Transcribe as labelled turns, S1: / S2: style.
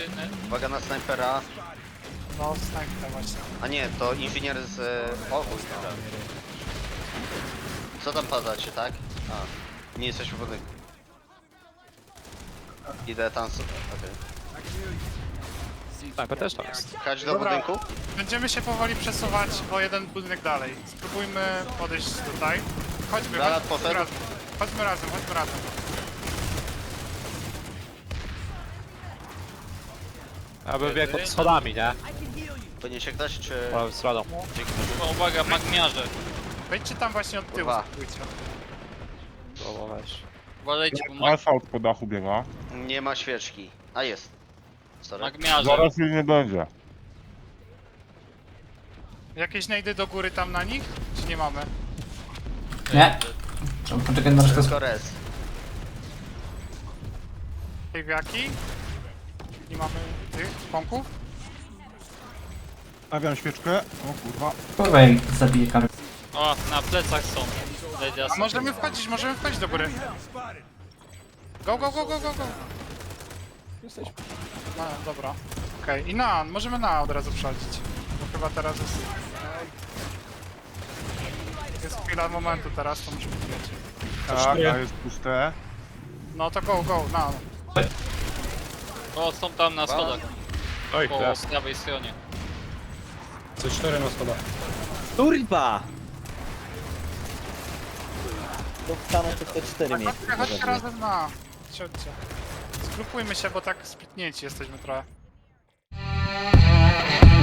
S1: Uwaga na snajpera.
S2: No, snajper właśnie.
S1: A nie, to inżynier z... O chuj, dobra. Co tam padacie, tak? A, nie jesteśmy w budynku. Idę tam sobie, okej.
S3: Sniper też tam jest.
S1: Chodź do
S2: Dobra.
S1: budynku?
S2: Będziemy się powoli przesuwać o jeden budynek dalej. Spróbujmy podejść tutaj. Chodźmy,
S1: Granat
S2: chodźmy
S1: poszedł.
S2: razem. Chodźmy razem, chodźmy razem.
S3: Ja bym biegł pod schodami, nie?
S1: Podniesie ktoś, czy...
S3: Prawą stroną.
S1: Dzięki.
S4: O, uwaga, magmiarze.
S2: Wejdźcie tam właśnie od tyłu,
S1: Kurwa.
S2: spróbujcie.
S3: Dobra, weź.
S4: Uważajcie, bo
S5: Asfalt po dachu biega.
S1: Nie ma świeczki. A jest. Sorry.
S4: magmiarze.
S5: Zaraz jej nie będzie.
S2: Jakieś najdy do góry tam na nich? Czy nie mamy?
S6: Nie. Trzeba poczekać na resztę.
S1: Tylko res.
S2: Kejwiaki? Nie mamy tych pąków?
S5: Stawiam świeczkę. O kurwa.
S6: Kurwa, jak zabije karę.
S4: O, na plecach są.
S2: A możemy wchodzić do góry. Go, go, go, go, go, go.
S3: Jesteśmy.
S2: No, dobra. Okej, i na, możemy na od razu przechodzić. Bo chyba teraz jest... Jest chwila momentu teraz, to musimy wiedzieć.
S5: Tak, a jest puste.
S2: No to go, go, na.
S4: O, są tam na schodach.
S3: Oj,
S4: Po
S3: teraz.
S4: prawej stronie.
S3: C4 na schodach.
S7: Kurwa! To wstanę to te 4 miejsca.
S2: Chodźcie razem na. Siądźcie. Zgrupujmy się, bo tak splitnięci jesteśmy trochę.